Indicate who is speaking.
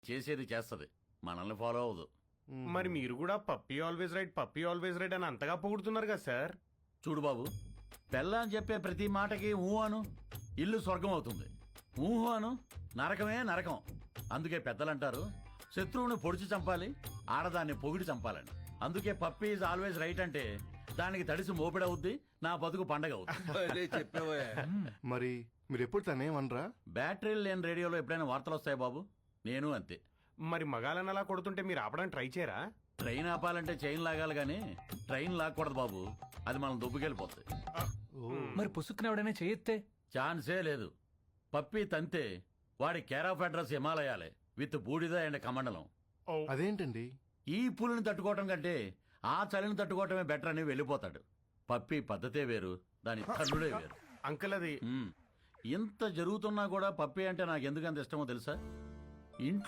Speaker 1: చేసేది చేస్తది, మనల్ని ఫాలో అవ్వదు.
Speaker 2: మరి మీరు కూడా పప్పీ ఆల్వేస్ రైట్ అని అంతగా పొగుడుతున్నారు కదా సార్.
Speaker 1: చూడు బాబు, పెళ్ళాని చెప్పే ప్రతి మాటకి ఊహు అను, ఇల్లు స్వర్గం అవుతుంది. ఊహు అను, నరకమే నరకం. అందుకే పెద్దలంటారు, శత్రువుని పొడిచి చంపాలి, ఆడదాన్ని పొగిడి చంపాలని. అందుకే పప్పీ ఈజ్ ఆల్వేస్ రైట్ అంటే దానికి తడిసి మోపిడవుద్ది, నా బతుకు పండగ అవుద్ది.
Speaker 3: చెప్పావా?
Speaker 4: మరి మీరు ఎప్పుడు తనేమనరా?
Speaker 1: బ్యాటరీలు లేని రేడియోలో ఎప్పుడైనా వార్తలు వస్తాయి బాబు, నేను అంతే.
Speaker 2: మరి మగాళ్ళని అలా కొడుతుంటే మీరు ఆపడానికి ట్రై చేయరా?
Speaker 1: ట్రైన్ ఆపాలంటే చైన్ లాగాలి గానీ ట్రైన్ లాక్కూడదు బాబు, అది మనం దుబ్బుకెళ్ళిపోతుంది.
Speaker 5: మరి పుసుక్కున ఎవడైనా చేయెత్తే?
Speaker 1: ఛాన్సే లేదు. పప్పి తంతే వాడి కేర్ ఆఫ్ అడ్రస్ హిమాలయాలే విత్ బూడిద అండ్ కమండలం.
Speaker 4: అదేంటండి?
Speaker 1: ఈ పులిని తట్టుకోవటం కంటే ఆ చలిని తట్టుకోవటమే బెటర్ అని వెళ్ళిపోతాడు. పప్పి పద్ధతే వేరు, దాని తల్లుడే వేరు.
Speaker 2: అంకుల్ అది
Speaker 1: ఇంత జరుగుతున్నా కూడా పప్పి అంటే నాకు ఎందుకంత ఇష్టమో తెలుసా? ఇంట్లో